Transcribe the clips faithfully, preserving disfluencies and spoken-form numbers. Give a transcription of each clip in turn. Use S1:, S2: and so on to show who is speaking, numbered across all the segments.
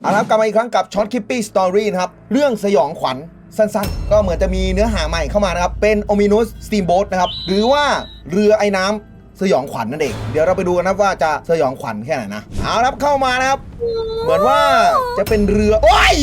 S1: เอาละกลับมาอีกครั้งกับช็อตคิปปี้สตอรี่นะครับเรื่องสยองขวัญสั้นๆก็เหมือนจะมีเนื้อหาใหม่เข้ามานะครับเป็น Ominous Steamboat นะครับหรือว่าเรือไอ้น้ำสยองขวัญนั่นเองเดี๋ยวเราไปดูกันนะว่าจะสยองขวัญแค่ไหนนะเอาละเข้ามานะครับเหมือนว่าจะเป็นเรือโอ้ย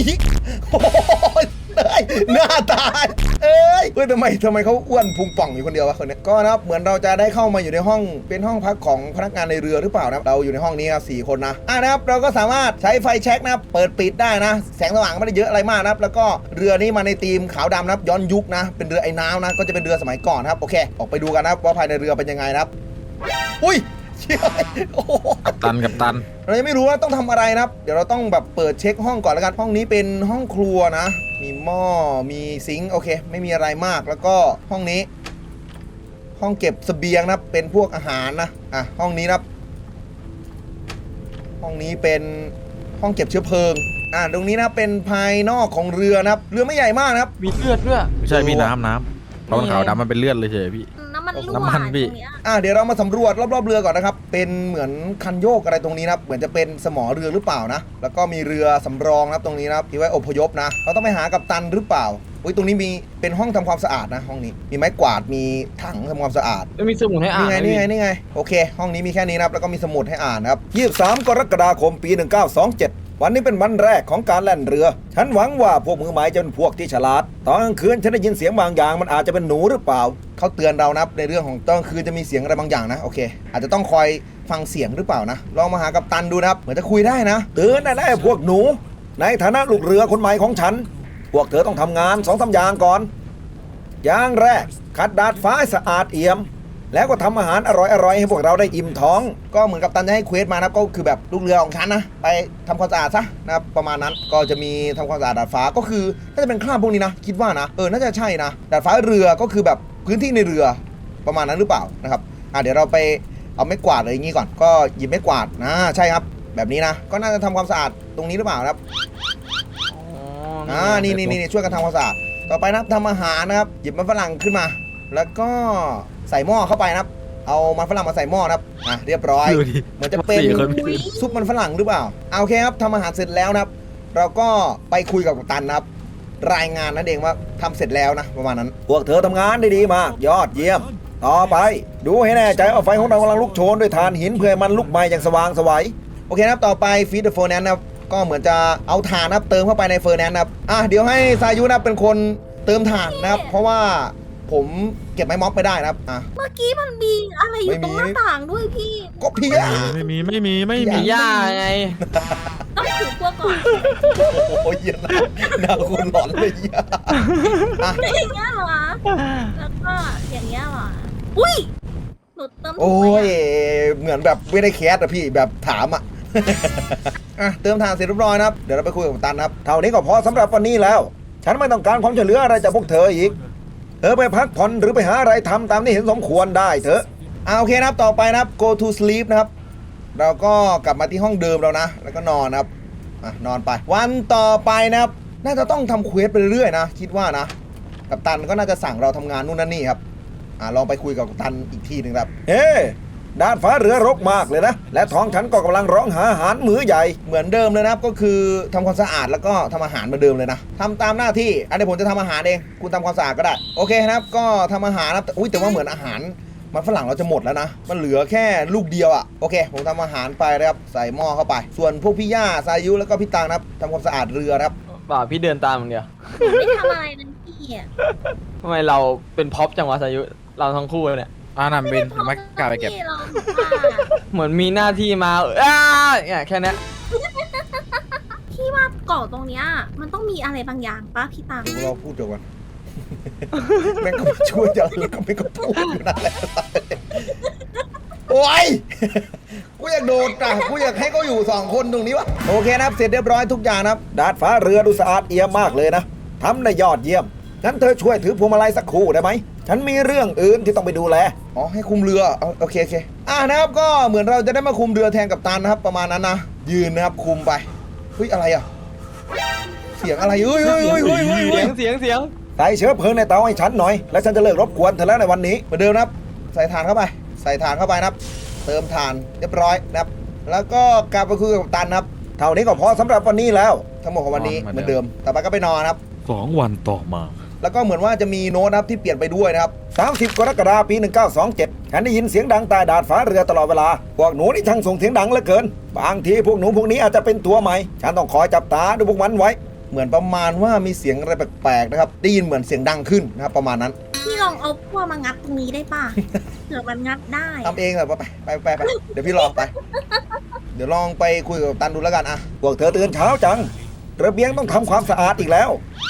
S1: หน้าตาเอ้ยเฮ้ยทำไมทำไมเขาอ้วนพุงป่องอยู่คนเดียววะคนนี้ก็นะครับเหมือนเราจะได้เข้ามาอยู่ในห้องเป็นห้องพักของพนักงานในเรือหรือเปล่านะเราอยู่ในห้องนี้ครับสี่คนนะอ่ะนะครับเราก็สามารถใช้ไฟแช็กนะครับเปิดปิดได้นะแสงสว่างไม่ได้เยอะอะไรมากนะครับแล้วก็เรือนี้มาในธีมขาวดำนะครับย้อนยุคนะเป็นเรือไอ้น้ำนะก็จะเป็นเรือสมัยก่อนครับโอเคออกไปดูกันนะครับว่าภายในเรือเป็นยังไงนะครับอุ้ย
S2: กับตันกับตัน
S1: เรายังไม่รู้ว่าต้องทำอะไรนะครับเดี๋ยวเราต้องแบบเปิดเช็คห้องก่อนแล้วกันห้องนี้เป็นห้องครัวนะมีหม้อมีซิงค์โอเคไม่มีอะไรมากแล้วก็ห้องนี้ห้องเก็บเสบียงนะเป็นพวกอาหารนะอ่ะห้องนี้นะห้องนี้เป็นห้องเก็บเชื้อเพลิงอ่ะตรงนี้นะเป็นภายนอกของเรือนะครับเรือไม่ใหญ่มากนะครับ
S3: มีเลือดด้วย
S2: ไม่ใช่พี่น้ำน้ำเพราะมันขาวดำมันเป็นเลือดเลยเฉยพี่
S4: น้ำมันรั่ว
S2: น้ำมันพี่
S1: อ่ะเดี๋ยวเรามาสำรวจรอบๆเรือก่อนนะครับเป็นเหมือนคันโยกอะไรตรงนี้นะเหมือนจะเป็นสมอเรือหรือเปล่านะแล้วก็มีเรือสำรองนะครับตรงนี้นะครับที่ไว้อพยพนะเราต้องไปหากัปตันหรือเปล่าอุ้ยตรงนี้มีเป็นห้องทำความสะอาดนะห้องนี้มีไม้กวาดมีถังทำความสะอาด
S3: มีสมุดให้อ่าน
S1: นี่ไงนี่ไงนี่ไงโอเคห้องนี้มีแค่นี้นะครับแล้วก็มีสมุดให้อ่านนะครับยี่สิบสามกรกฎาคมปีหนึ่งเก้าสองเจ็ดวันนี้เป็นวันแรกของการแล่นเรือฉันหวังว่าพวกมือใหม่จะเป็นพวกที่ฉลาดตอนกลางคืนฉันได้ยินเสียงบางอย่างมันอาจจะเป็นหนูหรือเปล่าเขาเตือนเรานะในเรื่องของตอนกลางคืนจะมีเสียงอะไรบางอย่างนะโอเคอาจจะต้องคอยฟังเสียงหรือเปล่านะลองมาหากัปตันดูนะครับเหมือนจะคุยได้นะเตือนได้แล้วพวกหนูในฐานะลูกเรือคนใหม่ของฉันพวกเธอต้องทำงานสองสามอย่างก่อนอย่างแรกขัดดาดฟ้าให้สะอาดเอี่ยมแล้วก็ทำอาหารอร่อยๆให้พวกเราได้อิ่มท้องก็เหมือนกับตันจะให้เควสมานะก็คือแบบลูกเรือของฉันนะไปทำความสะอาดซะนะครับประมาณนั้นก็จะมีทำความสะอาดดาดฟ้าก็คือน่าจะเป็นคราบพวกนี้นะคิดว่านะเออน่าจะใช่นะดาดฟ้าเรือก็คือแบบพื้นที่ในเรือประมาณนั้นหรือเปล่านะครับอ่ะเดี๋ยวเราไปเอาไม้กวาดอะไรอย่างงี้ก่อนก็หยิบไม้กวาดนะใช่ครับแบบนี้นะก็น่าจะทำความสะอาดตรงนี้หรือเปล่าครับอ่านี่นี่นี่ช่วยกันทำความสะอาดต่อไปนะครับทำอาหารนะครับหยิบมันฝรั่งขึ้นมาแล้วก็ใส่หม้อเข้าไปนะครับเอามันฝรั่งมาใส่หม้อนะครับอ่ะเรียบร้อยเหมือนจะเป็นซุปมันฝรั่งหรือเปล่าเอาโอเคครับทำอาหารเสร็จแล้วนะครับเราก็ไปคุยกับกัปตันนะครับรายงานนั่นเองว่าทำเสร็จแล้วนะประมาณนั้นพวกเธอทำงานได้ดีมากยอดเยี่ยมต่อไปดูให้แน่ใจว่าไฟของเรากำลังลุกโชนด้วยถ่านหินเพื่อมันลุกไหม้อย่างสว่างไสวโอเคนะครับต่อไปฟีดเดอะเฟอร์แนนซ์นะครับก็เหมือนจะเอาถ่านนะครับเติมเข้าไปในเฟอร์แนนซ์นะครับอ่ะเดี๋ยวให้ซายุนะเป็นคนเติมถ่านนะครับเพราะว่าผมเก็บไม้ม็อบไม่ได้นะครับอ่ะ
S4: เมื่อกี้มันมีอะไรอยู่ตรงหน้าต่างด้วยพี่
S1: ก็พี่อะ
S2: ไม่มีไม่มีไม่มี
S3: ย่าไง
S4: ต้องถือพวกก่อน
S1: โอ้ยนะน่าคุณหลอนเลยย่า
S4: อย่างเงี้ยเหรอแล้วก็อย่างเงี้ยเหรออุ้ยหนูเติม
S1: โอ้ยเหมือนแบบไม่ได้แคสอะพี่แบบถามอะอ่ะเติมทางเสร็จเรียบร้อยนะครับเดี๋ยวเราไปคุยกับตันครับเท่านี้ก็พอสำหรับวันนี้แล้วฉันไม่ต้องการความช่วยเหลืออะไรจากพวกเธออีกเธอไปพักผ่อนหรือไปหาอะไรทำตามที่เห็นสมควรได้เถอะอ่าโอเคนะครับต่อไปนะครับ go to sleep นะครับเราก็กลับมาที่ห้องเดิมแล้วนะแล้วก็นอนนะครับอ่ะนอนไปวันต่อไปนะครับน่าจะต้องทำเควสไปเรื่อยๆนะคิดว่านะกัปตันก็น่าจะสั่งเราทำงานนู่นนั่นนี่ครับอ่าลองไปคุยกับกัปตันอีกทีหนึ่งครับเฮ้ด้านฟ้าเรือรกมากเลยนะและท้องฉันก็กำลังร้องหาอาหารมื้อใหญ่เหมือนเดิมเลยนะครับก็คือทำความสะอาดแล้วก็ทำอาหารเหมือนเดิมเลยนะทำตามหน้าที่อันนี้ผมจะทำอาหารเองคุณทำความสะอาดก็ได้โอเคนะครับก็ทำอาหารนะอุ้ยแต่ว่าเหมือนอาหารมันฝรั่งเราจะหมดแล้วนะมันเหลือแค่ลูกเดียวอ่ะโอเคผมทำอาหารไปนะครับใส่หม้อเข้าไปส่วนพวกพี่ย่าซายุแล้วก็พี่ตังนะครับทำความสะอาดเรือครับ
S3: ป่าพี่เดินตามอย่างเดียว
S4: ไม่ทำอะไรนั่นพี่
S3: ทำไมเราเป็นพ็อปจังวะซายุเราทั้งคู่เนี่ย
S2: อ่านำบินทำไมกล้าไปเก็บ
S3: เหมือนมีหน้าที่มาอ้าเนี่ยแค่นี้
S4: พี่ว่าเกาะตรงเนี้ยมันต้องมีอะไรบางอย่างป้าพี่ตัง
S1: เราพูดจบกันแม่งก็ช่วยอย่างแล้วก็ไม่ก็พูดอยู่นั่นแหละโอ้ยกูอยากโดดอ่ะกูอยากให้เขาอยู่สองคนตรงนี้วะโอเคนะครับเสร็จเรียบร้อยทุกอย่างนะครับดาดฟ้าเรือดูสะอาดเอี่ยมมากเลยนะทำได้ยอดเยี่ยมงั้นเธอช่วยถือพวงมาลัยสักครู่ได้ไหมฉันมีเรื่องอื่นที่ต้องไปดูแลอ๋อให้คุมเรือโอเคโอเคอ่านะครับก็เหมือนเราจะได้มาคุมเรือแทนกัปตันนะครับประมาณนั้นนะยืนนะครับคุมไปเฮ้ยอะไรอ่ะเสียงอะไรเฮ้ยเฮ้ยเฮ้ยเฮ้ยเสียง
S3: เสียงเสียง
S1: ใส่เชื้อเพลิงในเตาให้ฉันหน่อยแล้วฉันจะเลิกรบกวนเธอแล้วในวันนี้เหมือนเดิมนะครับใส่ถ่านเข้าไปใส่ถ่านเข้าไปนะครับเติมถ่านเรียบร้อยนะครับแล้วก็กลับไปคุยกับกัปตันนะครับทท่านี้ก็พอสำหรับวันนี้แล้วทั้งหมดของวันนี้
S2: นอน
S1: เห
S2: เหมื
S1: มือ
S2: อน นเดิ
S1: เดิม
S2: ม
S1: ต่อไปก็ไปนอนครับ
S2: สองวันต่อมา
S1: แล้วก็เหมือนว่าจะมีโน้ตนะครับที่เปลี่ยนไปด้วยนะครับสามสิบกรกฎาคมปีหนึ่งเก้าสองเจ็ดฉันได้ยินเสียงดังใต้ดาดฟ้าเรือตลอดเวลาพวกหนูนี่ช่างส่งเสียงดังเหลือเกินบางทีพวกหนูพวกนี้อาจจะเป็นตัวใหม่ฉันต้องคอยจับตาดูพวกมันไว้ เหมือนประมาณว่ามีเสียงอะไรแปลกๆนะครับได้ยินเหมือนเสียงดังขึ้นนะครับประมาณนั้น
S4: พี่ลองเอาพวกมางัดตรงนี้ได้ป่ะ เผื่อมันงัดได้
S1: ทำเองเหรอไปไปไปไปเดี๋ยวพี่ลองไป เดี๋ยวลองไปคุยกับกัปตันดูแล้วกันอะพวกเธอตื่นเช้าจังระเบียงต้องทำความสะอาดอีกแล้ว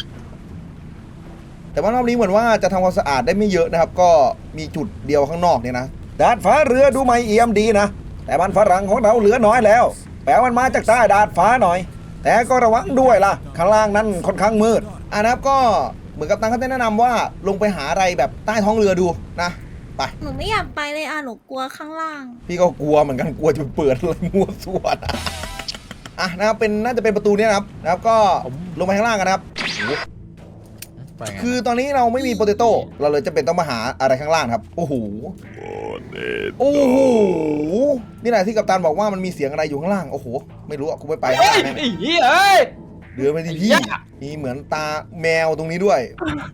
S1: แต่ว่ารอบนี้เหมือนว่าจะทำความสะอาดได้ไม่เยอะนะครับ ก็มีจุดเดียวข้างนอกเนี่ยนะดาดฟ้าเรือดูไม่เอี่ยมดีนะแต่มันฝรั่งของเราเหลือน้อยแล้วแปลมันมาจากใต้ดาดฟ้าหน่อย แต่ก็ระวังด้วยล่ะข้างล่างนั้นค่อนข้างมืดอ่ะนะครับก็เหมือนกับตังเขาได้แนะนำว่าลงไปหาอะไรแบบใต้ท้องเรือดูนะไป
S4: หนูไม่อยากไปเลยอ่ะ หนูกลัวข้างล่าง
S1: พี่ก็กลัวเหมือนกันกลัวจะเปิดอะไรมั่วส่วนอะอ่ะนะครับเป็นน่าจะเป็นประตูเนี้นะครับนะครับก็ลงไปข้างล่างกันนะครับ
S2: ไปไง
S1: คือตอนนี้เราไม่มีโปเตโต้เราเลยจะเป็นต้องมาหาอะไรข้างล่างครับโอ้โหโอ้โหนี่แหละที่กัปตันบอกว่ามันมีเสียงอะไรอยู่ข้างล่างโอ้โหไม่รู้อ่ะกูไม่ไปข้าง
S3: เฮ้ย
S1: ล่างแน่
S3: ไอ้เหี้ยเอ้ย
S1: เดือไปที่พี่
S3: ไอ้ยะ
S1: มีเหมือนตาแมวตรงนี้ด้วย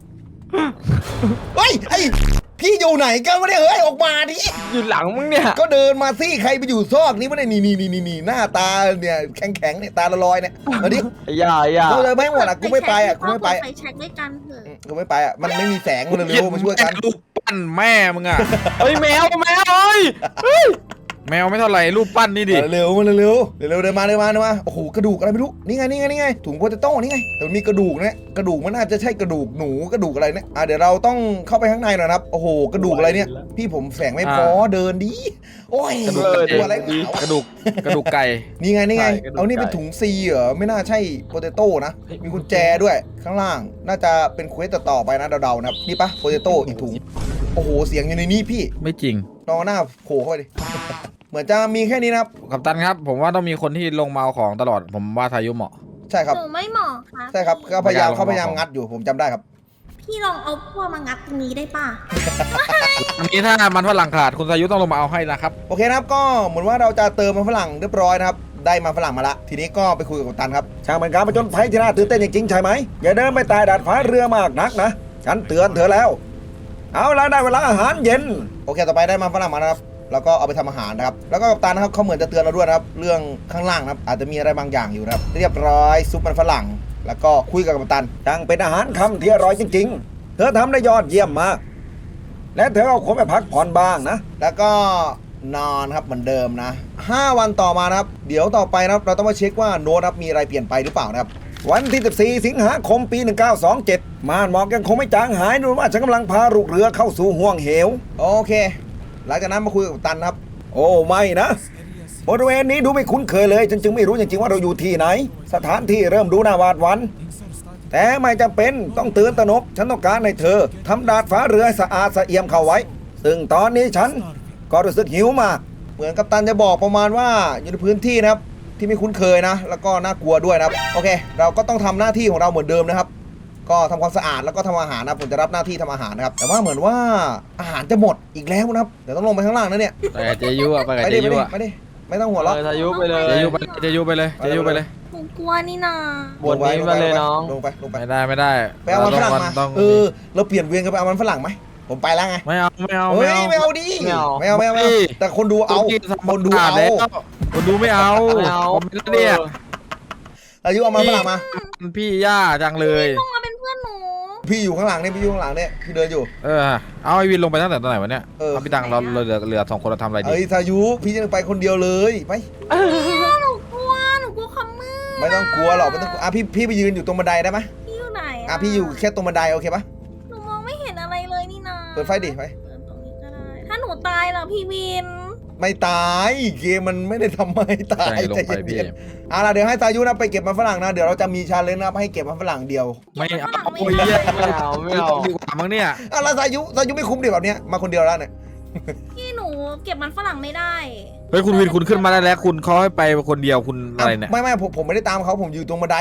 S1: เฮ้ยไอพี่อยู่ไหนกันวะเนี่ยเฮ้ยออกมาดิ
S3: อยู่หลังมึงเนี่ย
S1: ก็เดินมาสิใครไปอยู่ซอกนี้วะเนี่ยนี่นี่นี่นี่หน้าตาเนี่ยแข็งแข็งๆเนี่ยตาละลอยเนี่ยมาดิ
S3: ไอ้ย่าไอ้ย่า
S1: กูเลยไม่หมดอ่ะกูไม่ไปอ่ะกูไม่ไป
S4: ไปเช็คด้วยกันเถอะ
S1: กูไม่ไปอ่ะมันไม่มีแสงมันเร็วๆมาช่วยกัน
S2: รูปปั้นแม่มึงอะ
S3: เฮ้ยแมวแมวเอ้ยเฮ้ย
S2: แมวไม่เท่าไหร่รูปปั้นนี่ดิ
S1: เร็วๆมันเร็วๆเร็วๆเดินมาเดินมาเดินมาโอ้โหกระดูกอะไรไม่รู้นี่ไงนี่ไงนี่ไงถุงโปเตโต้นี่ไงแต่มันมีกระดูกเนี่ยกระดูกมันน่าจะใช่กระดูกหนูกระดูกอะไรเนี่ยอ่ะเดี๋ยวเราต้องเข้าไปข้างในหน่อยนะครับโอ้โหกระดูกอะไรเนี่ยพี่ผมแสงไม่พอเดินดิโอ้ย
S2: กระดูก
S1: ตัวอะไร
S2: กระดูกกระดูกไก่
S1: นี่ไงนี่ไงเอานี่เป็นถุงซีเหรอไม่น่าใช่โปเตโต้นะมีกุญแจด้วยข้างล่าง น่าจะเป็นเควสต่อๆไปนะเดาๆนะครับนี่ปะโปเตโต้อีกถุงโอ้โหเสียงอยู่ในนี้พี่
S2: ไม่จริง
S1: ลองหน้าโผล่เข้าไปดิ เหมือนจะมีแค่นี้นะครับ
S2: กัปตันครับ ผมว่าต้องมีคนที่ลงมาเอาของตลอด ผมว่าทายุเหมาะ
S1: ใช่ครับ
S4: หนูไม่เหมาะค่ะ
S1: ใช่ครับเขาพยายาม
S2: ไม่กล้าลง
S1: เขาพยายาม
S2: ของ
S1: งัดอยู่ผมจำได้ครับ
S4: พี่ลองเอาพวกมางัดตรงนี้ได้ป่ะ
S2: อันนี้ถ้ามันฝรั่งขาดคุณทายุต้องลงมาเอาให้นะครับ
S1: โอเคนะครับก็เหมือนว่าเราจะเติมมันฝรั่งเรียบร้อยนะครับได้มาฝรั่งมาละทีนี้ก็ไปคุยกับกัปตันครับช่างเป็นการประจนภัยที่น่าตื่นเต้นจริงๆใช่ไหมอย่าเดินไปตายดาดฟ้าเรือมากนักนะฉันเตือนเธอแล้ว เอาละได้เวลาอาหารเย็นโอเคต่อไปได้มาฝรั่งมานะครับแล้วก็เอาไปทำอาหารนะครับแล้วก็กัปตันนะครับเขาเหมือนจะเตือนเราด้วยนะครับเรื่องข้างล่างนะครับอาจจะมีอะไรบางอย่างอยู่นะครับเรียบร้อยซุปมันฝรั่ง แล้วก็คุยกับกัปตันช่างเป็นอาหารคำที่อร่อยจริงๆ เธอทำได้ยอดเยี่ยมมากและเธอเอาคนไปพักผ่อนบ้างนะแล้วก็นอนครับเหมือนเดิมนะห้าวันต่อมานะครับเดี๋ยวต่อไปนะครับเราต้องมาเช็คว่าโน้ตครับมีอะไรเปลี่ยนไปหรือเปล่านะครับวันที่สิบสี่สิงหาคมปีหนึ่งเก้าสองเจ็ดม่านหมอกยังคงไม่จางหายดูว่าฉันกำลังพาลูกเรือเข้าสู่ห่วงเหวโอเค หลังจากนั้นมาคุยกับกัปตันครับ โอ้ไม่นะบริเวณนี้ดูไม่คุ้นเคยเลยฉันจึงไม่รู้จริงๆว่าเราอยู่ที่ไหน สถานที่เริ่มดูน่าหวาดหวั่นแต่ไม่จำเป็นต้องตื่นตระหนกฉันต้องการให้เธอทำดาดฟ้าเรือให้สะอาดสะเอี่ยมเข้าไว้ ซึ่งตอนนี้ฉันก็รู้สึกหิวมาก เหมือนกัปตันจะบอกประมาณว่าอยู่ในพื้นที่นะครับที่ไม่คุ้นเคยนะ แล้วก็น่ากลัวด้วยนะครับโอเค เราก็ต้องทำหน้าที่ของเราเหมือนเดิมนะครับ ก็ทำความสะอาดแล้วก็ทำอาหารนะผมจะรับหน้าที่ทำอาหารนะครับแต่ว่าเหมือนว่าอาหารจะหมดอีกแล้วนะครับเดี๋ยวต้องลงไปข้างล่างนะเนี่ย
S2: ไปกับเจยุอะไปกับ
S1: ไป
S2: เจ
S1: ดิไป
S2: ยุ
S1: ดิ
S2: อะ
S1: ไปดิไม่ต้องหัวเราะ
S3: เออทายุไปเลย
S2: เจยุไปเจยุไปเลยเจยุไปเลย
S4: หนูกลัวนี่นา
S3: บนนี้มาเลยน้อง
S1: ลงไปลงไป
S2: ไม่ได้ไม่ได้
S1: ไปเอามันฝรั่งมา
S2: ต้อง
S1: เออเราเปลี่ยนเวียนกันไปเอามันฝรั่งไหมผมไปแล้วไง
S2: ไม่เอาไม่เอา
S1: เฮ้ย
S2: ไม่
S1: ไม่
S2: เอา
S1: เอาดิ
S3: ไม่เอา
S1: ไม่เอาไม่เอาไม่เอาแต่คนดูเอา
S2: ตุ๊กกี้ทำ
S1: คนดู
S2: ควม
S1: เอา
S2: สะดแล้วคนดูไม่เอา
S3: ไม่เอา
S2: ผมไม่ได้เนี่ย
S1: อายุเอามันฝรั่งมา
S2: พี่ย่าจังเลย
S4: ต้องมาเป็นเพื่อนหนู
S1: พี่อยู่ข้างหลังเนี่ยพี่อยู่ข้างหลังเนี่ยพี่เดินอยู่
S2: เออเอาไอวินลงไปตั้งแต่ตอนไหนวะเนี่ย
S1: เออ
S2: เอาพี่ตังเราเราเหลือเหลือสองคนเราทำอะไรดี
S1: เอ้ยทายุพี่จะไปคนเดียวเลยไป
S4: หนูกลัว หนูกลัวความมืด
S1: ไม่ต้องกลัวหรอกไม่ต้องกลัวอ่ะพี่พี่ไปยืนอยู่ตรงบันไดได้ไหม
S4: พี่อยู่ไหน
S1: อ่ะพี่อยู่แค่ตรงบันไดโอเคปะ
S4: หนูมองไม่เห็นอะไรเลยนี่นา
S1: เปิดไฟดิไป
S4: เปิดตรงนี้ก็ได้ ถ้าหนูตายล่ะพี่วิน
S1: ไม่ตายเกมมันไม่ได้ทำให้ตาย
S2: ใช่ลงไปพี่
S1: เย็นๆอ่ะล่ะเดี๋ยวให้ทายุนะไปเก็บมันฝรั่งนะเดี๋ยวเราจะมีชาเลนจ์นะครับให้เก็บมันฝรั่งเดียว
S2: ไม่เอา
S4: ไม่
S2: โอ้ย
S4: เอา
S2: เหี้ย
S3: ไม่เอาไม่เอา
S2: ดีกว่ามั้งเนี่ย
S1: อ่ะแล้วทายุทายุไม่คุ้มดิแบบเนี้ยมาคนเดียวแล้วเนี่ย
S4: พี่หนูเก็บมันฝรั่งไม่ได้
S2: เฮ้ยคุณวินคุณขึ้นมาได้แล้วคุณเขาให้ไปคนเดียวคุณอะไรเนี่ย
S1: ไม่ไม่ผมผมไม่ได้ตามเขาผมอยู่ตรงบันได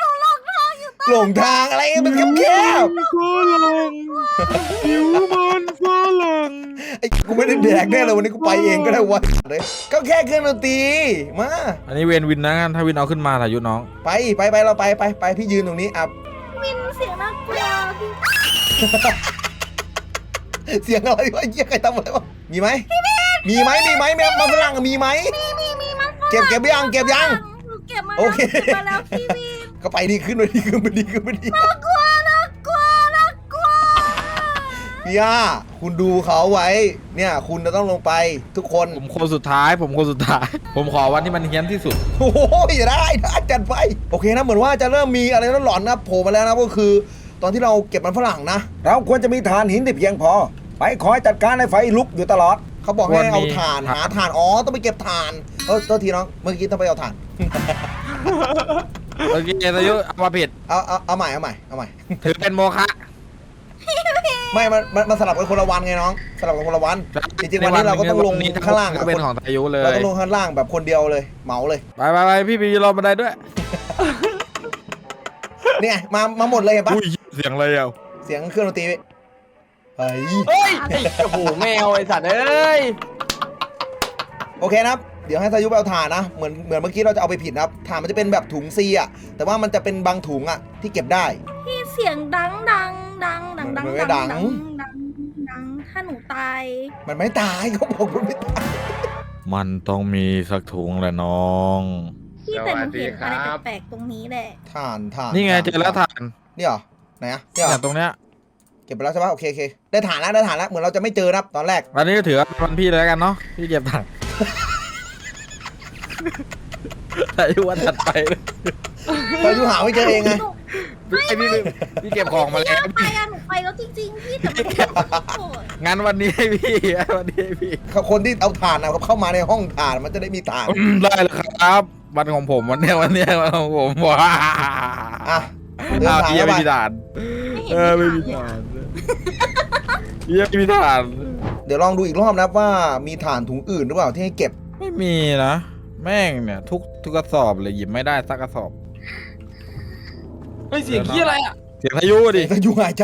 S1: หลงทางอะไรมันแคบ
S2: ก็ลงหิวมัน
S1: ไอ้กูไม่ได้แดกแน่เลยวันนี้กูไปเองก็ได้วะเลยก็แค่เครื่องดนตรีมา
S2: อันนี้เวนวินนะงั้นถ้าวินเอาขึ้นมาทายุน้อง
S1: ไปไปไปเราไปไปไปพี่ยืนตรงนี้อ่ะ
S4: วินเสียงน่ากลัวพี่
S1: เสียงอะไรวะเยี่ยใครทำอะไรวะมีไหมมีไหมมีไหมแม่มาฝรั่งมีไหม
S4: มีมีมีมัน
S1: เก็บเก็บยังเก็บยัง
S4: หนูเก็บมา
S1: โอ
S4: แล้ว
S1: เค
S4: เก็บมาแล้วพี่วิน
S1: ก็ไปดีขึ้นไปดีขึ้นไปดีขึ้นไปดี
S4: น่ากลัวน่ากลัวน่ากลัว
S1: พี่ย่าคุณดูเขาไว้เนี่ยคุณจะต้องลงไปทุกคน
S2: ผมคนสุดท้าย ผมคนสุดท้าย ผมขอวันที่มันเฮี้ยนที่สุด
S1: โอ้โหอย่าได้ได้จัดไปโอเคนะเหมือนว่าจะเริ่มมีอะไรหลอนๆนะโผล่มาแล้วนะก็คือ ตอนที่เราเก็บมันฝรั่งนะ เราควรจะมีฐานหินที่เพียงพอ ไปคอยจัดการให้ไฟลุกอยู่ตลอด เขาบอกให้เอาถ่านหาถ่านอ๋อต้องไปเก็บถ่านเออตัวทีน้องเมื่อกี้ต้องไปเอาถ่าน
S2: โอเคทายุเอามาผิด
S1: เอาเอาเอาใหม่เอาใหม่เอาใหม่
S2: ถือเป็นโมฆะ
S1: ไม่มันมันมันสลับกันคนละวันไงน้องสลับกันคนละวันจริงๆวันนี้เราก็ต้องลงข้างล่าง
S2: ก็เป็นของทายุเลย
S1: เราต้องลงข้างล่างแบบคนเดียวเลยเหมาเลย
S2: ไปไปไปพี่ไปยืนรอบันไดด้วย
S1: เนี่ยมามาหมดเลยเห็นปะ
S2: อุ้ยเสียงอะไรอ่ะ
S1: เสียงเครื่องดนตรีเฮ้ย
S3: เฮ้ยไอ้โอ้โหแมวไอ้สัตว์เอ้ย
S1: โอเคนะครับเดี๋ยวให้สายุไปเอาถ่านนะเหมือนเหมือนเมื่อกี้เราจะเอาไปผิดนะครับถ่านมันจะเป็นแบบถุงซีอ่ะแต่ว่ามันจะเป็นบางถุงอ่ะที่เก็บได้
S4: พี่เสียงดังดังดังดังดัง
S1: มันไม่ดั
S4: ดั
S1: ง
S4: งดังดังถ้าหนูตาย
S1: มันไม่ตายเขาบอกมันไม่ตาย
S2: มันต้องมีสักถุงแหละน้อง
S4: พี่แต่หนูเห็นอะไรแปลกๆตรงนี้แหละ
S1: ถ่านถ่าน
S2: นี่ไงเจอแล้วถ่าน
S1: นี่เหรอไหนอะนี่เหร
S2: เนี่
S1: อย
S2: ตรงเนี้ย
S1: เก็บไปแล้วใช่ปะโอเคโอเคได้ถ่านแล้วได้ถ่านแล้วเหมือนเราจะไม่เจอนะครับตอนแรก
S2: วันนี้ก็ถือว่าเป็นวันพี่เลยแล้วกันเนาะพี่เก็บถ่าน ทายุวันถัดไปเลย
S1: สายุหาไม่เจอเองไง
S2: พี่พี่พี่พี่เก็บของมาแล้ว
S4: พี่ไปอะหนูไปแล้วจริงๆพี่แต่มันโกรธ
S2: งั้นวันนี้ให้พี่วันนี้ให้พี่
S1: คนที่เอาถ่านนะเขาเข้ามาในห้องถ่านมันจะได้มีถ่าน
S2: อืมได้เลยครับวันของผมวันเนี้ยวันเนี้ยวันของผมว้า
S1: อ่ะเดิน
S2: อ้าว
S1: ถ่าน
S2: พี่ยัง
S1: เข้า
S2: ไม่
S1: ไป
S2: มีฐาน
S4: ไม่เห็น
S2: เออไม่มี
S4: มี
S2: ฐา
S4: ฐาน
S2: นพี่ยังไม่มีฐาน
S1: เดี๋ยวลองดูอีกรอบนะครับว่ามีถ่านถุงอื่นหรือเปล่าที่ให้เก็บ
S2: ไม่มีนะแม่งเนี่ยทุกทุกกระสอบเลยหยิบไม่ได้สักกระสอบ
S3: เฮ้ยเสียงขี้อะไรอ่ะ
S2: เสียงพายุดิ
S1: สายุหายใจ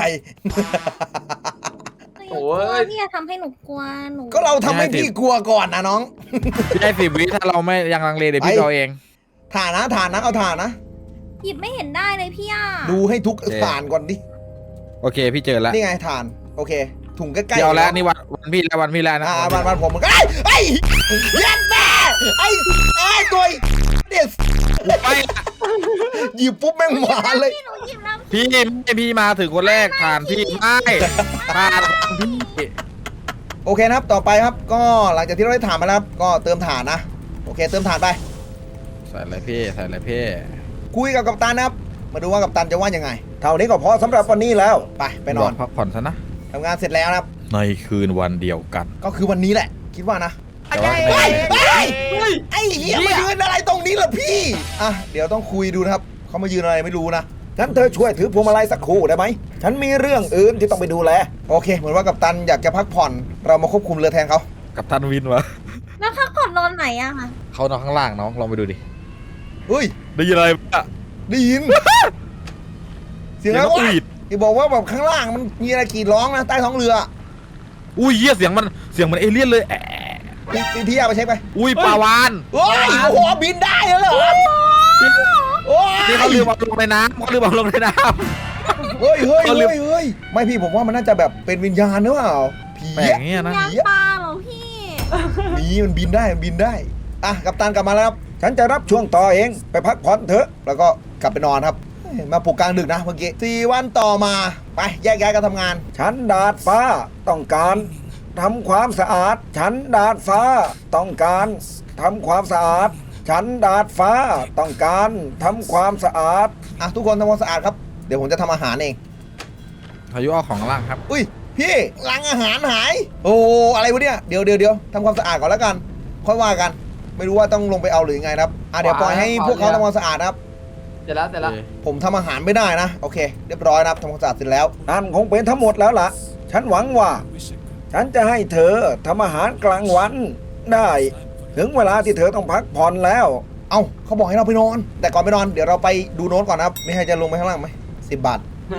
S3: โอ้
S4: โอ้
S3: ย
S4: ยพี่จะทำให้หนูกลัวหนู
S1: ก็เราทำให้พี่กลัวก่อนนะน้อง
S2: พี่ให้สิบวิถ้าเราไม่ยังลังเลเดี๋ยวพี่
S1: ไป
S2: เอาเอง
S1: ถ่านนะถ่านนะเอาถ่านนะ
S4: หยิบไม่เห็นได้เลยพี่อ่ะ
S1: ดูให้ทุกถ่านก่อนดิ
S2: โอเคพี่เจอแล้ว
S1: นี่ไงถ่าน โอเค ถุงใกล้ๆ
S2: เดี๋ยวแล้วนี่วันวันพี่แล้ววันพี่แล้วนะ
S1: อ่าวันวันผมมันก็ไอ้ไอ้ยัดแม่ไอ้ไอ้ตัวเด็ด
S2: ไปละ
S1: หยิบปุ๊บแม่งมาเลย
S4: พี่หนูหยิบแล้ว
S2: พี่ไม่พี่มาถึงคนแรกผ่านพี่ไม่ผ่านพี่
S1: โอเคนะครับต่อไปครับ ก็หลังจากที่เราได้ถ่านมาแล้วครับก็เติมถ่านนะ โอเค เติมถ่านไป
S2: ใส่อะไรพี่ใส่อะไรพี่
S1: คุยกับกัปตันนะครับ มาดูว่ากัปตันจะว่ายังไง เท่านี้ก็พอสำหรับวันนี้แล้ว ไปไปนอน
S2: พักผ่อนซะนะ
S1: ทำงานเสร็จแล้วนะครับ
S2: ในคืนวันเดียวกัน
S1: ก็คือวันนี้แหละ คิดว่านะ
S2: แต่ว่า
S1: เฮ้ย
S2: ใน
S1: เฮ้ย
S3: เฮ้ย
S1: ไอ้เหี้ยมายืนอะไรตรงนี้ล่ะพี่ อ่ะ เดี๋ยวต้องคุยดูนะครับ เขามายืนอะไรไม่รู้นะ งั้นเธอช่วยถือพวงมาลัยสักครู่ได้ไหม ฉันมีเรื่องอื่นที่ต้องไปดูแล โอเค เหมือนว่ากัปตันอยากจะพักผ่อน เรามาควบคุมเรือแทนเขา
S2: กับตันวินวะ
S4: แล้วพักผ่อนนอนไหนอะคะ
S2: เขานอนข้างล่างน้องลองไปดูดิ
S1: เฮ้ย
S2: ได้ยินอะไรปะ
S1: ได้ยิน เสียงอะไร
S2: นก
S1: วะ
S2: หวีด
S1: ที่บอกว่าแบบข้างล่างมันมีอะไรกรีดร้องนะใต้ท้องเรือ
S2: อุ้ยเหี้ยเสียงมันเสียงมันเอเลี่ยนเลยแอะ
S1: พี่พี่พี่เอาไปเช็คไป
S2: อุ้ยปลาวาน
S1: เฮ้ย โอ้โห บินได้แล้วเหรอโอ้ย
S2: นี่เขาลืมเอาลงในน้ำเขาลืมเอาลงในน้
S1: เฮ้ยเฮ้ย
S2: เขาลื
S1: เฮ้
S2: ม
S1: ยเฮ้ยไม่พี่ผมว่ามันน่าจะแบบเป็นวิญญาณหรือเปล่า ผี
S2: ำแปลก
S1: อะ
S2: เงี้ยนะ
S4: ยางปลาเหรอพี่
S1: ผีมันบินได้มันบินได้ อ่ะกัปตันกลับมาแล้วครับ ฉันจะรับช่วงต่อเอง ไปพักผ่อนเถอะ แล้วก็กลับไปนอนครับ มาปลุกกลางดึกนะเมื่อกี้สี่วันต่อมา ไปแยกย้ายกันทำงาน ฉันดาดฟ้าต้องการทำความสะอาด ฉันดาดฟ้าต้องการทำความสะอาด ฉันดาดฟ้าต้องการทำความสะอาด อ่ะทุกคนทำความสะอาดครับ เดี๋ยวผมจะทำอาหารเอง
S2: พายุเอาของล่างครับ
S1: อุ้ยพี่ลังอาหารหาย โอ้อะไรวะเนี่ยเดี๋ยวเดี๋ยวเดี๋ยวทำความสะอาดก่อนแล้วกัน ค่อยว่ากัน ไม่รู้ว่าต้องลงไปเอาหรือยังไงนะครับอ่ะเดี๋ยวปล่อยให้พวกเขาทำความสะอาดนะครับ
S3: เสร็จแล้วเสร็จแล้ว
S1: ผมทำอาหารไม่ได้นะ โอเค เรียบร้อยนะครับทำความสะอาดเสร็จแล้วนั่นคงเป็นทั้งหมดแล้วล่ะ ฉันหวังว่า ฉันจะให้เธอทำอาหารกลางวันได้ ถึงเวลาที่เธอต้องพักผ่อนแล้ว เอ้าเขาบอกให้เราไปนอน แต่ก่อนไปนอนเดี๋ยวเราไปดูโน้ตก่อนนะครับไม่ให้จะลงไปข้างล่างไหมสิบบาท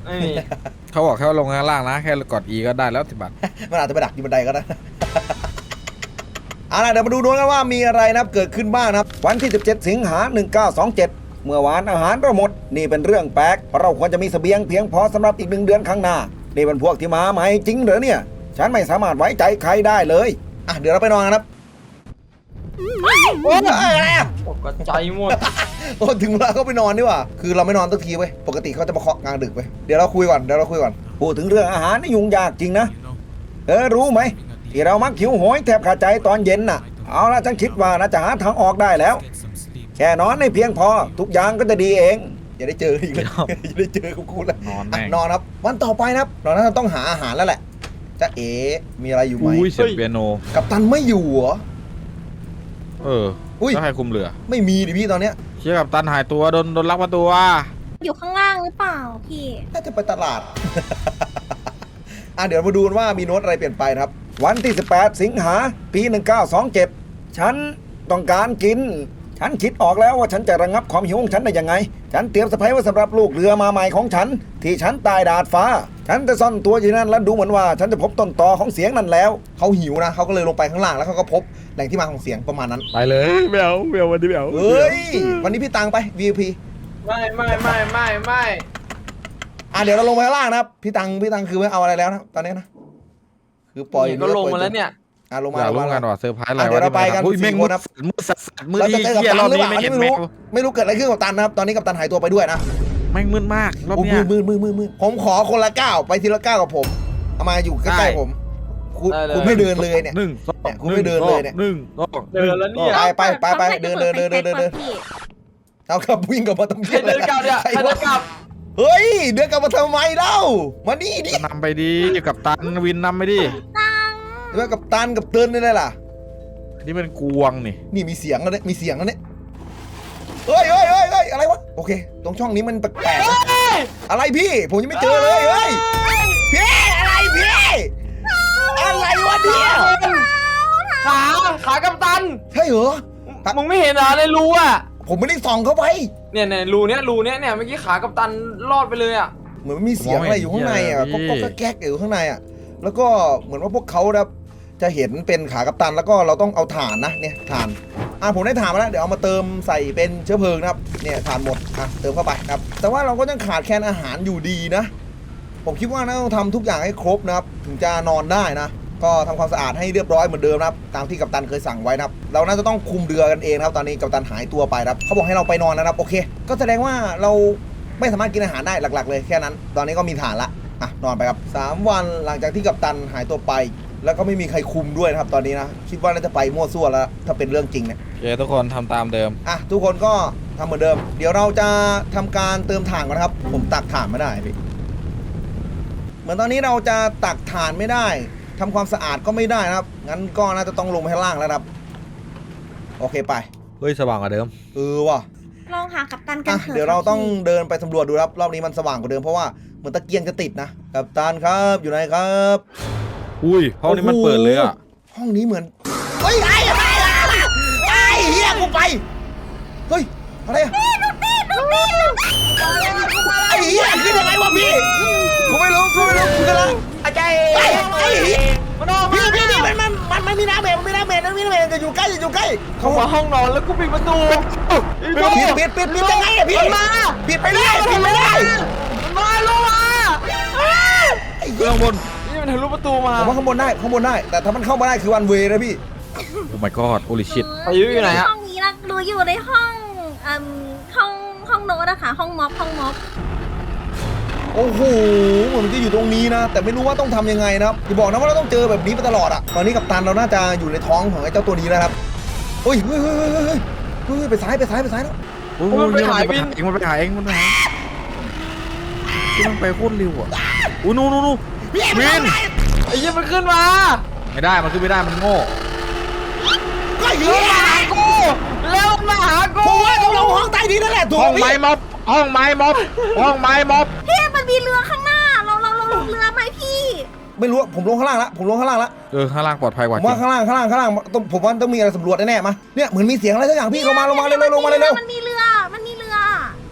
S3: ไม่มี
S2: เขาบอกแค่ว่าลงข้างล่างนะ แค่กด E ก็ได้แล้วสิบบาท
S1: มันอาจจะไปดักอยู่บันไดก็ได้ เอาล่ะเดี๋ยวมาดูด้วยกันว่ามีอะไรนะครับเกิดขึ้นบ้างนะครับวันที่สิบเจ็ดสิงหาหนึ่งเก้าสองเจ็ดเมื่อวานอาหารเราหมดนี่เป็นเรื่องแปลกเพราะเราควรจะมีเสบียงเพียงพอสำหรับอีกหนึ่งเดือนข้างหน้านี่เป็นพวกที่มาใหม่จริงเหรอเนี่ยฉันไม่สามารถไว้ใจใครได้เลยอ่ะเดี๋ยวเราไปนอนกันครับโอ้ยอะไรอ่ะ
S3: ตกใจหมด
S1: โอ้ถึงเวลาเขาไปนอนดีกว่าคือเราไม่นอนสักทีเว้ยปกติเขาจะมาเคาะกลางดึกเว้ยเดี๋ยวเราคุยก่อนเดี๋ยวเราคุยก่อนพูดถึงเรื่องอาหารนี่ยุ่งยากจริงนะเออรู้ไหมที่เรามักหิวโหยแทบขาดใจตอนเย็นน่ะเอาละฉันคิดว่าน่าจะหาทางออกได้แล้วแค่นอนให้เพียงพอทุกอย่างก็จะดีเองอย่าได้เจออีกเลย อย่าได้เจอกับกูแล้ว
S2: นอน
S1: อ่ะ
S2: แม่ง
S1: นอนครับวันต่อไปนะครับเราน่าจะต้องหาอาหารแล้วแหละจะเอ๋มีอะไรอยู่ไหม
S2: อุ้ยเสียงเปียโน
S1: กัปตันไม่อยู่เหรอ
S2: เออ
S1: อุ้ย
S2: แล้วใครคุมเรือ
S1: ไม่มีดิพี่ตอนเนี้ย
S2: เชี่ยกับตันหายตัวโดนโดนลักพาตัว
S4: อยู่ข้างล่างหรือเปล่าพี่
S1: น่าจะไปตลาด อ่ะเดี๋ยวมาดูกันว่ามีโน้ตอะไรเปลี่ยนไปนะครับ วันที่สิบแปดสิงหาปีหนึ่งเก้าสองเจ็ดฉันต้องการกิน ฉันคิดออกแล้วว่าฉันจะระงับความหิวของฉันได้ยังไง ฉันเตรียมสะพายไว้สำหรับลูกเรือมาใหม่ของฉัน ที่ฉันตายดาดฟ้า ฉันจะซ่อนตัวอยู่นั่นแล้วดูเหมือนว่า ฉันจะพบต้นตอของเสียงนั่นแล้วเขาหิวนะเขาก็เลยลงไปข้างล่างแล้วเขาก็พบแหล่งที่มาของเสียงประมาณนั้น
S2: ไปเลยไม่เอาไม่เอาวันนี้ไม่เอา
S1: เฮ้ยวันนี้พี่ตังไป วี ไอ พี
S3: ไม่ไม่ไม่ไม่ไม่
S1: อ่ะเดี๋ยวเราลงไปข้างล่างนะครับพี่ตังพี่ตังคือไม่เอาอะไรแล้วนะตอนนี้นะคือปล่อย
S3: เนี่ยก็ลงมาแล้วเนี่ย
S1: อ่ะลงมา
S2: อยาก
S1: ล
S2: รู้
S1: ง
S2: กั
S1: มาน
S2: ว่าเซอร์ไพรส์อะไร
S1: อ่ะเดี๋ยวเราไปกัน
S2: อุ้ย
S1: สี่
S2: แม่ง
S1: คนครับ
S2: มืดสัสๆมืด
S1: เราจะ
S2: ที่
S1: เจอกับ
S2: เหี้ย
S1: ตั
S2: รอน บ
S1: หรือเป
S2: นี้
S1: ล่า
S2: ไม่
S1: อันนี้
S2: เห็น
S1: ไม่
S2: แม่
S1: รู้
S2: ง
S1: ไม่รู้เกิดอะไรขึ้นกับตันนะครับตอนนี้กับตันหายตัวไปด้วยนะ
S2: แม่งมืดมากรอบ
S1: โอ้
S2: เนี้ย
S1: มืดมืดมืดมืดมืดผมขอคนละก้าวไปทีละก้าวกับผมเอามาอยู่ใก
S2: ได้
S1: ล้ๆผมคุณคุณไม่เดินเลยเนี่ย
S2: หนึ่งสอง
S1: เนี่ยคุณไม่เดินเลยเนี่ย
S2: หนึ่งสอง
S3: เดินแล้วเนี่ย
S1: ไปไปไปไปเดินเดินเดินเดินเดินเดิน
S4: พี่
S1: เอาครับวิ่งกลับมาทำ
S3: ใครเดินกลับเนี่ย
S1: ใคร
S3: ใครเดินกลับ
S1: เฮ้ยเดินกลับมาทำไมเล่ามานี่ดิ
S2: นำไปดีกับตันวินนำไปดิ
S4: ตัง
S1: เดี๋ยวกับตันกับเตือนนี่เลยล่ะ
S2: นี่เป็นกวงนี่
S1: นี่มีเสียงแล้วเนี่ยมีเสียงแล้วเนี่ยเฮ้ยเฮ้ยเฮ้ยเฮ้ยอะไรวะโอเค ตรงช่องนี้มันแปลกๆนะอะไรพี่ผมยังไม่เจอเลยเฮ้ยพี่อะไรพี่อะไรวะเนี่ย
S3: ขาขากัปตัน
S1: ใช่เหรอ
S3: มึงไม่เห็นเหรอในรูอ่ะ
S1: ผมไม่ได้ส่องเข้าไป
S3: เนี่ยเนี่ยรูเนี้ยรูเนี้ยเนี่ยเมื่อกี้ขากัปตันรอดไปเลยอ่ะ
S1: เหมือนมันมีเสียงอะไรอยู่ข้างในอ่ะก็ก็แก๊กๆอยู่ข้างในอ่ะแล้วก็เหมือนว่าพวกเขานะจะเห็นเป็นขากัปตันแล้วก็เราต้องเอาถ่านนะเนี่ยถ่านอ่ะผมได้ถ่านมาแล้วเดี๋ยวเอามาเติมใส่เป็นเชื้อเพลิงนะครับเนี่ยถ่านหมดอ่ะเติมเข้าไปนะครับแต่ว่าเราก็ยังขาดแคลนอาหารอยู่ดีนะ ผมคิดว่าน่าต้องทำทุกอย่างให้ครบนะครับถึงจะนอนได้นะ ก็ทำความสะอาดให้เรียบร้อยเหมือนเดิมนะครับตามที่กัปตันเคยสั่งไว้นะครับเราน่าจะต้องคุมเรือกันเองนะครับตอนนี้กัปตันหายตัวไปนะครับเขาบอกให้เราไปนอนนะครับโอเค ก็แสดงว่าเราไม่สามารถกินอาหารได้หลักๆ เลยแค่นั้น ตอนนี้ก็มีฐานละอ่ะนอนไปครับสามวันหลังจากที่กัปตันหายตัวไป แล้วก็ไม่มีใครคุมด้วยนะครับตอนนี้นะคิดว่าน่าจะไปมั่วซั่วแล้วถ้าเป็นเรื่องจริงเนี่ย
S2: โอเคทุกคนทำตามเดิม
S1: อ่ะทุกคนก็ทำเหมือนเดิม เดี๋ยวเราจะทำการเติมถ่านก่อนนะครับ ผมตักถ่านไม่ได้พี่เหมือนตอนนี้เราจะตักถ่านไม่ได้ทำความสะอาดก็ไม่ได้นะครับ งั้นก็น่าจะต้องลงไปข้างล่างแล้วครับ โอเคไป
S2: เฮ้ยสว่างกว่าเดิม
S1: เออว่ะ
S4: ลองหากัปตันกัน
S1: อ่ะ
S4: เถอะ
S1: เดี๋ยวเราต้อง
S4: พี่
S1: เดินไปสำรวจดูครับ รอบนี้มันสว่างกว่าเดิมเพราะว่าเหมือนตะเกียงจะติดนะกัปตันครับอยู่ไหนครับ
S2: อุ้ยห้องนี้มันเปิดเลยอ่ะ
S1: ห้องนี้เหมือนเฮ้ยไอ้อะไรอะไอ้เฮียกูไปเฮ้ยอะไรอะไอ้เฮียขึ้นยังไงวะพี่กูไม่รู้กูไม่รู้กูกำลัง
S3: อาจารย์
S1: ไอ้ไอ้เฮีย
S3: มันออก
S1: พี่
S3: มา
S1: พี่พี่มันมันมันมันมีน้ำเบรมันมีน้ำเบรมันมีน้ำเบรจะอยู่ใกล้จะอยู่ใกล้
S3: เข้ามาห้องนอนแล้วกูปิดประตู
S1: ปิดปิดปิดปิดยังไงอะพี่
S3: มันมา
S1: ปิดไปได้ปิดไม่ได้
S3: มันมาลงมา
S1: ไอ้
S2: เบื้
S1: เหี้ย
S2: องบน
S3: นี่มันทะลุประตูมา
S1: ผมว่าข้างบนได้ข้างบนได้ แต่ถ้ามันเข้ามาได้คือวันเวนะพี่
S2: โอ้ my god holy shit
S3: ไปอยู่อยู่ไหนอะ
S4: ห้องนี้นะรู้อยู่ในห้องอืมห้องห้องโน้ตอะค่ะห้องม็อบห้องม็อบ
S1: โอ้โหเหมือนมันจะอยู่ตรงนี้นะ แต่ไม่รู้ว่าต้องทำยังไงนะครับอย่าบอกนะว่าเราต้องเจอแบบนี้ไปตลอดอะตอนนี้กัปตันเราน่าจะอยู่ในท้องของไอ้เจ้าตัวนี้แล้วครับเฮ้ยเฮ้ยเฮ้ยเฮ้ยเฮ้ยเฮ้ยไปซ้ายไปซ้ายไปซ้ายแล้ว
S2: โอ้ยมันไปหายเองมันไปหายเองมันไปหายที่มันไปโคตรเร็วอ่ะอู้นู่นนู่นนู่นวิน
S3: ไอ้ยี่มันขึ้นมา
S2: ไม่ได้มันขึ้นไม่ได้มันโง่
S1: ก็เหี้ย
S3: มาหากูแล้วมาหากู
S1: ผมว่าต้องลงห้องใต้ดินนั่นแหละถูก
S2: ห้อง
S1: พี่
S2: ไม้ม็อบห้องไม้ม็อบห้องไม้ม็อบ
S4: พี่มันมีเรือข้างหน้าเราเราเราลงเรือไหมพี่
S1: ไม่รู้ผมลงข้างล่างละผมลงข้างล่างละ
S2: เออข้างล่างปลอดภัยก
S1: ผ
S2: ว่าจ
S1: ม
S2: ริ
S1: ว่าง ข้างล่างข้างล่างข้างล่างต้องผมว่าต้องมีอะไรสำรวจแน่ๆมาเนี่ยเหมือนมีเสียงอะไรสักอย่างพี่ลงมาลงมาเร็วๆลงมาเร็ว
S4: มันมีเรือมันมีเรือ
S1: ๆ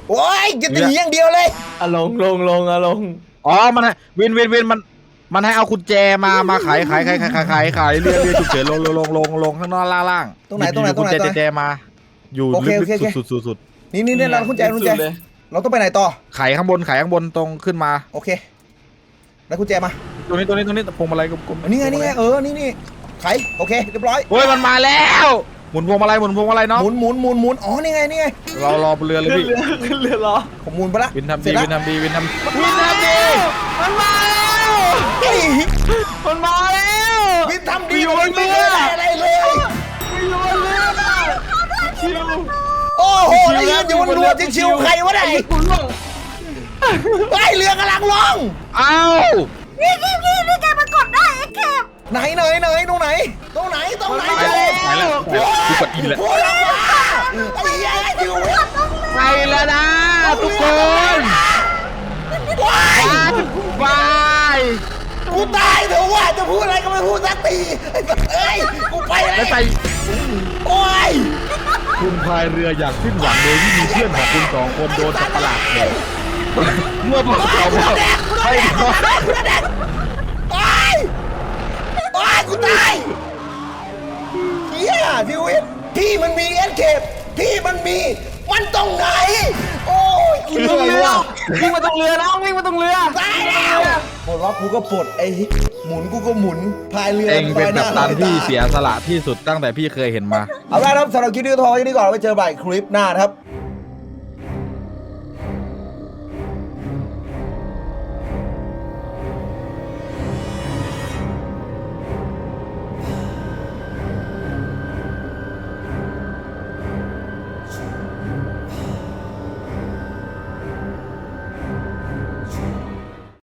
S1: โอ้ยจะตีอย่างเดียวเลย
S3: อะลงลงลงอะลง
S2: อ๋อมันให้วินวินวินมันมันให้เอากุญแจมามาขายขายขายขายขายขายขายเรือเรือฉุกเฉินลงลงลงลงลงข้างนอกล่างล่าง
S1: ตรงไหนตรงไหนตรงไหน
S2: กุญ
S1: ตรงไหน
S2: แจแจมา อยู่
S1: โอเค
S2: ลึ
S1: โอก เคโอเค
S2: ๆสุดสุดสุด
S1: นี่นี่นี่เราคุณแจคุณแจ
S3: สุดเลย
S1: เราต้องไปไหนต่อ
S2: ไขข้างบนไขข้างบนตรงขึ้นมา
S1: โอเคแล้วคุณแจมา
S2: ตรงนี้ตรงนี้ตรงนี้พวงมาลัยกลมๆ
S1: นี่ไงนี่ไงเออนี่นี่ไขโอเคเรียบร้อย
S2: เฮ้ยมันมาแล้วหมุนพวงมาลัยหมุนพวงมาลัยเนาะ
S1: หมุนหมุนหมุนหมุนอ๋อนี่ไงนี่ไง
S2: เรารอบนเรือเลย
S3: ขึ้น
S2: พี่
S3: เรือขึ้นเรือเหรอ
S1: ผมหมุนไปละ
S2: วินทำ
S1: เสร็
S2: ดี
S1: จ
S2: วิน
S1: แล้ว
S2: ทำดีวินทำ
S3: วินทำดีมันมาแล้ว
S1: เฮ้ย
S3: มันมาแล้ว
S1: วินทำดีกว่าวินไม่เคยได้อะไรเลย
S3: ไม่รู้เรื่องชิว
S1: โอ้โหแล้วยืนอยู่บนเรือชิวๆใครวะไหน
S3: คุณล่ง
S1: ไอเรือกำลังลง
S2: เอ้า
S4: นี่นี่นี่นี่แกมากดได้ไอ้เก็บ
S1: ไหนไหนไหนตรงไหนตรงไหนตรงไหน
S2: ไปแล้วไปแล้วกูกดอีแล้ว
S1: โอ้ยไอ้เหี้ยชิว
S2: ไปแล้วนะทุกคน
S1: ว้าย
S2: บาย
S1: กูตายเถอะว่าจะพูดอะไรก็ไม่พูดสักทีไอ้สัสเอ้ยกูไปแล้
S2: แล้ว
S1: ว
S2: ไป
S1: โอ้ย
S2: คุณพายเรืออย่างสิ้นหวังโดยที่มีเพื่อนของคุณสองคนโดนสัตว์ประหลาดแดกเมื่อบอกเขาว่าให้เขา
S1: ตายตายกูตายเฮียชีวิตพี่มันมีเอสเคปพี่มันมี มันตรงไหน โอ้ยกูเห
S3: ตรง
S1: นื่อย
S3: เรือ
S1: ว่ะ
S3: วิ่งมาตรงเรือน้องวิ่งมาตรงเรือ
S1: ตายแล้วปลดล็อกกูก็ปลดไอ้หมุนกูก็หมุนพายเรือ
S2: เองเป็น
S1: ลอยห
S2: กัปตันที่เสียสละที่สุดตั้งแต่พี่เคยเห็นมา
S1: เอาละครับสำหรับคลิปนี้ก็พอแค่นี้ก่อนไว้เจอใหม่คลิปหน้านะครับ